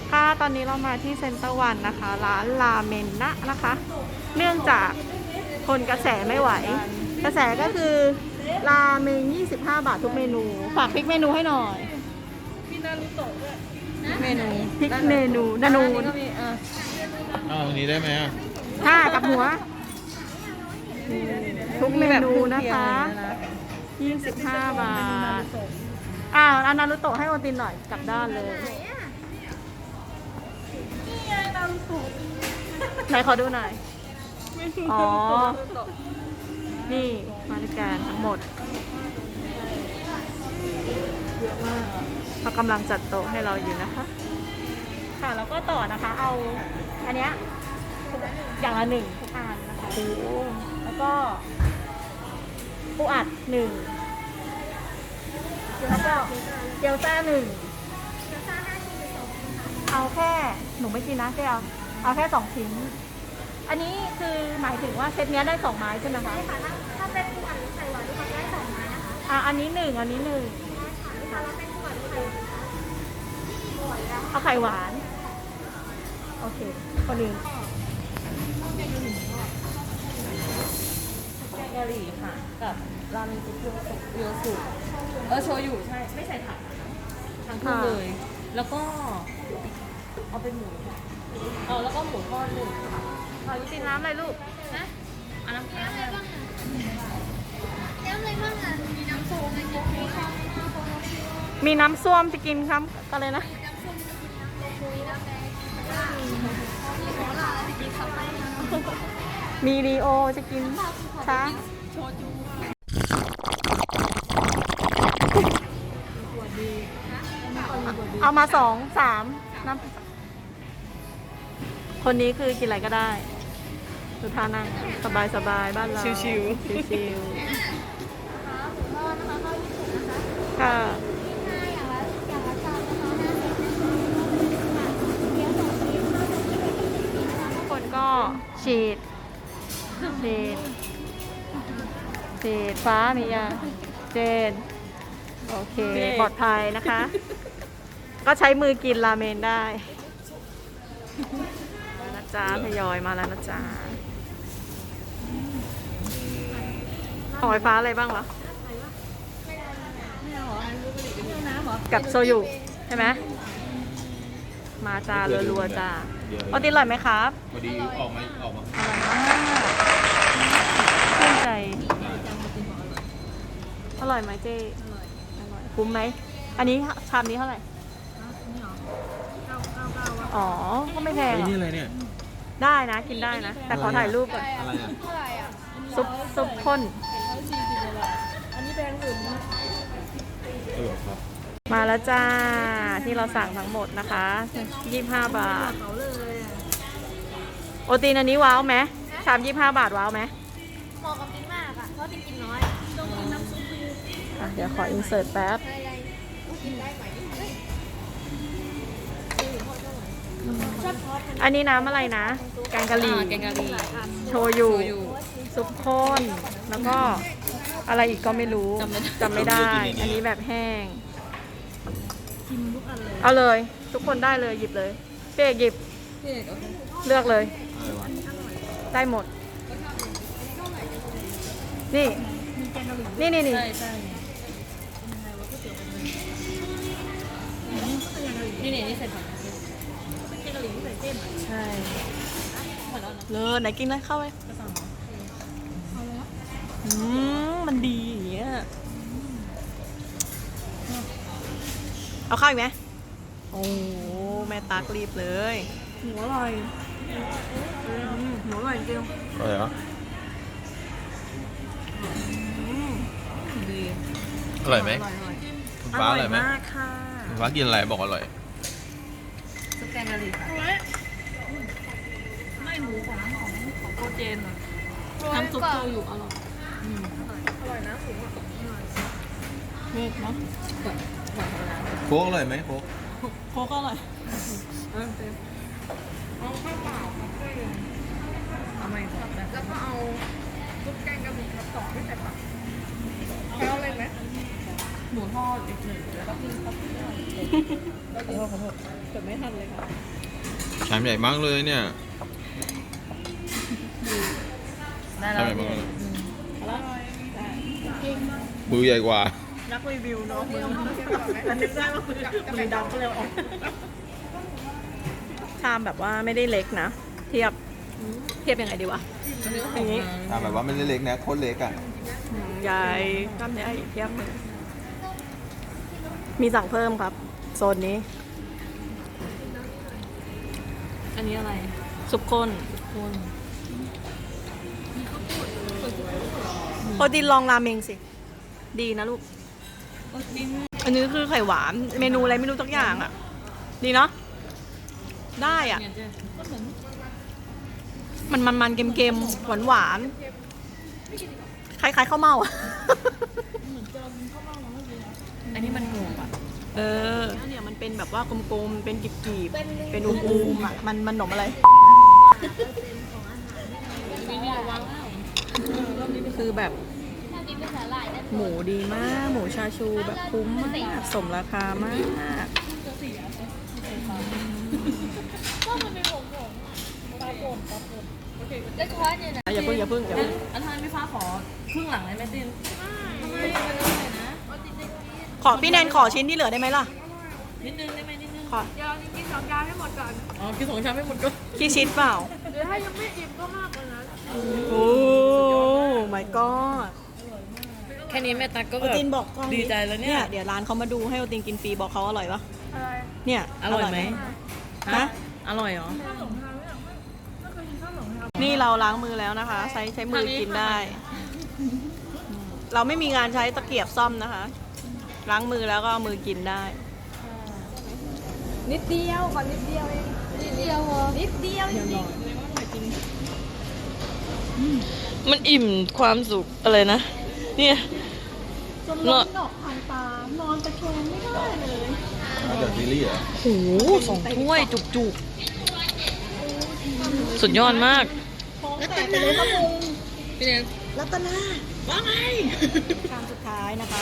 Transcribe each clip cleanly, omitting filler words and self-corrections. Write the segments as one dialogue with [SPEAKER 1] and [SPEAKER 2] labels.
[SPEAKER 1] ค่ะตอนนี้เรามาที่เซ็นเตอร์วันนะคะร้านราเมนนะนะคะ เนื่องจากคนกระแสไม่ไหว กระแสก็คือราเมน25 บาททุกเมนู ฝากพริกเมนูให้หน่อย
[SPEAKER 2] เมนู
[SPEAKER 1] พริกเมนูนานูน
[SPEAKER 2] ก็มี
[SPEAKER 3] เอาตรงนี้ได้ไหมอ่ะ
[SPEAKER 1] ค่ะกับหัว ทุกเมนูนะคะ25 บาทเอานารุโตะให้โอตินหน่อยกลับด้านเลยไหนขอดูหน่อยอ๋อนี่มาด้วยกันทั้งหมดเขากำลังจัดโต๊ะให้เราอยู่นะคะค่ะแล้วก็ต่อนะคะเอาอันเนี้ยอย่างละ1ทุกอันนะคะแล้วก็ปูอัด1แล้วก็เกี๊ยวซ่า1เอาแค่หนูไม่กินนะเจ๊เอาแค่2 ชิ้นอันนี้คือหมายถึงว่าเซตเนี้ยได้2 ไม้ใช่ไหมคะใช่ค่ะถ้าเป็นปูอัดหรือไข่หวานทุกคนได้2 ไม้นะคะอันนี้1อันนี้1ถ้าเราเป็นปูอัดหรือไข่เอาไข่หวานโอเคคนอื่น
[SPEAKER 2] แกงกะหรี่ค่ะกับราเมงซุปเรียวสุโชยุใช่ไม่ใส่ผักทั้งคู่เลย แล้วก็เอาเป็นหมูแล้วก็หมูทอด1ค่ะ
[SPEAKER 1] ขอยุติน้ำอะไรลูก
[SPEAKER 2] นะอันน้ำอะไรบ้าง
[SPEAKER 1] มีน้ำส้มจะกินครับอะไรนะมีรีโอจะกินช้าเอามา2 3น้ำคนนี้คือกินอะไรก็ได้ดูท่านั่งสบายสบายบ้านเราชิวค่ะทุกคนก็ฉีดฟ้ามีอ่ะเจนโอเคปลอดภัยนะคะ ก็ใช้มือกินราเมนได้นะจ๊ะทยอยมาแล้วนะจ๊ะของไฟฟ้าอะไรบ้างวะกับโซยุใช่ไหมมาจ้ารัวๆจ้าโอติอร่อยไหมครับ
[SPEAKER 3] พอดีออกมา
[SPEAKER 1] อร่อยมากชื่นใจอร่อยไหมเจ๊อร่อยคุ้มไหมอันนี้ชามนี้เท่าไหร่อ๋อก็ไม่แพง
[SPEAKER 3] นี่อะไรเนี่ย
[SPEAKER 1] ได้นะกินได้นะแต่ขอถ่ายรูปก่อน
[SPEAKER 3] อะไรอ่ะ
[SPEAKER 1] ซุปข้น
[SPEAKER 2] อันนี้แพงสุดนะ
[SPEAKER 3] ครับ
[SPEAKER 1] มาแล้วจ้าที่เราสั่งทั้งหมดนะคะ25 บาทโอตีนอันนี้ว้าวไหมชาม25 บาทว้าวไหม
[SPEAKER 4] เหมาะกับกินมากอ่ะเพราะตินกินน้อยต้องกินน้ำซุป
[SPEAKER 1] เดี๋ยวขออินเสิร์ตแป๊บอันนี้น้ำอะไรนะแกงกะหรี่โชยุซุปข้นแล้วก็อะไรอีกก็ไม่รู้จำไม่ได้อันนี้แบบแห้งเอาเลยทุกคนได้เลยหยิบเลยเป๊กหยิบเลือกเลยได้หมดนี่นี่
[SPEAKER 2] ใส่ผักแกงกะหรี่ที่ใส่เส้น
[SPEAKER 1] ใช่เลยไหนกินเลยเข้าไปมันดีอย่างเงี้ยเอาข้าวอีกไหมโอ้แม่ตากรีบเลยหัวอร่อยหัวอร่อยจริง
[SPEAKER 3] อะไรเหรอ
[SPEAKER 1] ดี
[SPEAKER 3] อร่อยไหมฟ้าอร่อยไหม
[SPEAKER 1] มากค่ะ
[SPEAKER 3] ฟ้ากินอะไรบอกอร่อย
[SPEAKER 2] ซุปแกงกะหรี่ค่ะไม่หมูของน้ำหอมของโปรเจนอ่ะน้ำซุปโชยุอร่อยอร่อยนะสูงอ่ะ
[SPEAKER 1] เผ็ดเนาะ
[SPEAKER 3] โค้กอร่อยไหมโค้ก
[SPEAKER 1] โค้กอร่อย
[SPEAKER 2] เอาข้าวเปล่าเอาไหมแล้วก็เอาซุปแกงกะหรี่ครับ2ที่ใส่ผักเอาอะไรไหมหมูทอดอีกหนึ่งแล้วก็พี่ครับขอโทษเกิดไม่ทันเลยค่ะ
[SPEAKER 3] ชามใหญ่มากเลยเนี่ย
[SPEAKER 2] ได้
[SPEAKER 3] ชาม
[SPEAKER 2] แล้ว
[SPEAKER 3] ใหญ่มากเลย
[SPEAKER 2] แล้ว
[SPEAKER 3] มือใหญ่กว่า
[SPEAKER 1] นักรีวิวเนาะมือมันนึกได้ว่ามือดำก็เลยออกชามแบบว่าไม่ได้เล็กนะ เทียบยังไงดีวะ อย่างนี้
[SPEAKER 3] แบบว่าไม่ได้เล็กนะโคตรเล็กอ่ะ
[SPEAKER 1] ใหญ่กล้ามเนื้ออีกเทียบหนึ่งมีสั่งเพิ่มครับ โซนนี้
[SPEAKER 2] อันนี้อะไร
[SPEAKER 1] ซุปข้น
[SPEAKER 2] คน
[SPEAKER 1] โปรตีนลองราเมงสิ ดีนะลูก
[SPEAKER 2] กิน
[SPEAKER 1] อันนี้คือไข่หวาน เมนูอะไรไม่รู้สักอย่างอ่ะ ดีเนาะ ได้อ่ะ
[SPEAKER 2] เนี่ยเจ๊ก็เหมือน
[SPEAKER 1] มันเค็มๆ หวานๆ คล้ายๆข้าวเม่าอ่ะ
[SPEAKER 2] อันนี้มันหมูอ่ะ
[SPEAKER 1] เออเนี่ยมันเป็นแบบว่ากลมๆ เป็นกีบๆ เป็นอูมๆอ่ะ มันหนมอะไร
[SPEAKER 2] มีนี่ระวังแล้ว
[SPEAKER 1] คือแบบ
[SPEAKER 4] ถ้ามีเป็นสาหร่ายได้
[SPEAKER 1] หมูดีมาก หมูชาชูแบบคุ้มมาก สมราคามาก
[SPEAKER 4] ก็มันเป็นผงปลาป่นแล้วช้อนเนี่ยนะ
[SPEAKER 1] อย่าเพิ่ง
[SPEAKER 2] อันทานพี่ฟ้าขอครึ่งหลังเลยไหมติน
[SPEAKER 1] ขอพี่แนนขอชิ้นที่เหลือได้ไหมล่ะ
[SPEAKER 2] นิดนึงได้ไหมนิดนึง
[SPEAKER 1] ขอ
[SPEAKER 4] เดี๋ยวกินสองจานให้หมดก่อน
[SPEAKER 2] อ๋อกินสองชามไม่หมดก็
[SPEAKER 1] กี่ชิ้นเปล่า
[SPEAKER 4] เดี๋ยวถ้ายังไม่อิ่มก็มากกว่านั้น
[SPEAKER 1] โอ้ my god
[SPEAKER 2] แค่นี้แม่ตั๊กก็
[SPEAKER 1] โอ
[SPEAKER 2] แบบ
[SPEAKER 1] ตินบอกกล้อง
[SPEAKER 2] ดีใจแล้วเนี่ย
[SPEAKER 1] เดี๋ยวร้านเขามาดูให้โอตินกินฟรีบอกเขาอร่อยปะ
[SPEAKER 4] อะไร
[SPEAKER 1] เนี่ย
[SPEAKER 2] อร่อยไหม
[SPEAKER 1] ฮะ
[SPEAKER 2] อร่อยเหรอ
[SPEAKER 1] นี่เราล้างมือแล้วนะคะ ใช้มือกินได้ เราไม่มีงานใช้ตะเกียบซ่อมนะคะ ล้างมือแล้วก็เอามือกินได้
[SPEAKER 4] นิดเดียวก่อนนิดเดียวเองนิดเดียวเหรอนิดเดียวจริง
[SPEAKER 2] มันอิ่มความสุขอะไรนะ เนี่ย
[SPEAKER 1] จนร้อนดอกทางตานอนตะแคงไม่ได้เลย
[SPEAKER 3] มาจากซีรีส์เหรอ
[SPEAKER 2] โห2 ถ้วยจุกๆ สุดยอดมาก
[SPEAKER 1] ท้องแตกไปเลยครับลุง
[SPEAKER 2] พี่เนย
[SPEAKER 1] รัตนา
[SPEAKER 2] ว่าไง
[SPEAKER 1] ชามสุดท้ายนะคะ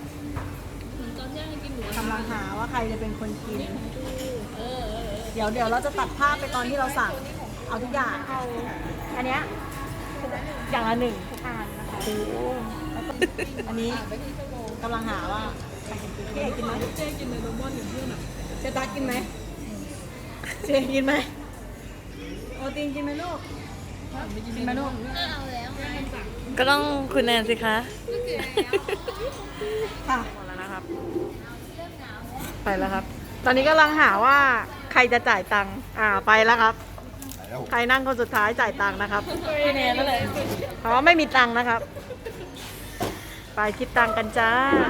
[SPEAKER 1] กำลังหาว่าใครจะเป็นคนกิน เดี๋ยวเราจะตัดภาพไปตอนที่เราสั่ง เอาทุกอย่างเอาอันเนี้ยอย่างละ1ทุกอันนะคะโอ้แล้วก็อันนี้กำลังหาว่าใครจะกินเจ๊กินไหมเจ๊กินเลยโดมอนอย่างเพื่อนอ่ะเจ๊ตากินไหมเจ๊กินไหมโอตินกินไหมลูกกินไหมลูก
[SPEAKER 4] ๆเอาแล้ว
[SPEAKER 2] ก็ต้องคุณแนนสิคะ
[SPEAKER 1] ค่ะหมดแล้วนะครับ ไปแล้วครับ ตอนนี้กำลังหาว่าใครจะจ่ายตังค์ไปแล้วครับ ใครนั่งคนสุดท้ายจ่ายตังค์นะครับ
[SPEAKER 2] พี่เนยนั่นแหละ
[SPEAKER 1] เพราะว่าไม่มีตังค์นะครับ ไปคิดตังค์กันจ้า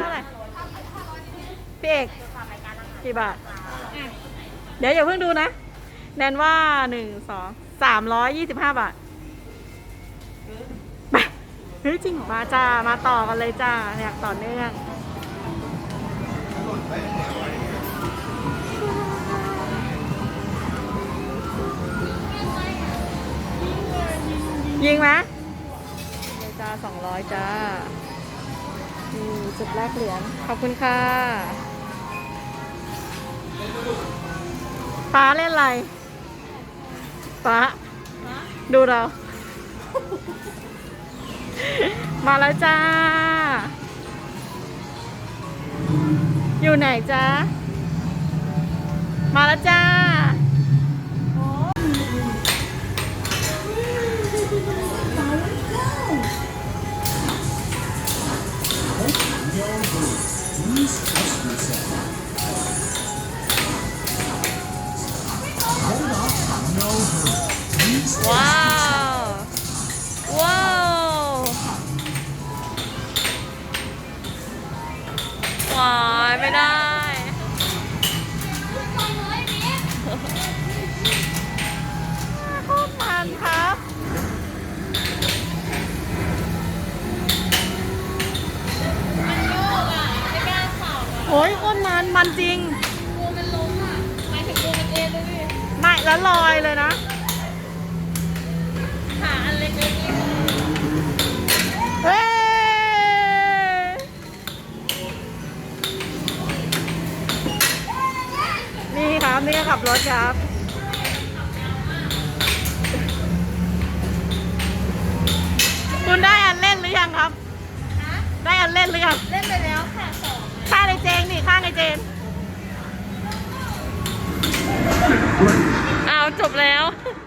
[SPEAKER 1] พี่เอกกี่บาท เดี๋ยวอย่าเพิ่งดูนะ แนนว่า325 บาทไปเฮ้ยจริงเหรอมาจ้า มาต่อกันเลยจ้าอยากต่อเนื่อง ยิงไหมเลยจ้า200จ้าจุดแรกเหรียญขอบคุณค่ะฟ้าเล่นอะไรฟ้าดูเรา มาแล้วจ้า อยู่ไหนจ้ามาแล้วจ้าว้าว ว้าว วายไม่ได้ โคตรมันครับ โอ้ยโคตรมันจริง
[SPEAKER 4] งูมันล้มอ่ะหมายถึงงูมันเองเลยพี่
[SPEAKER 1] ไม่แล้วลอยเลยนะ
[SPEAKER 4] ขาอันเล็กๆนี่
[SPEAKER 1] เฮ้ยนี่ก็ขับรถครับ คุณได้อันเล่นหรือยังครับ ได้อันเล่นหรือยัง
[SPEAKER 4] เล่นไปแล้วค่ะสอง
[SPEAKER 1] ข้างในเจนนี่ข้างในเจนอ้าวจบแล้ว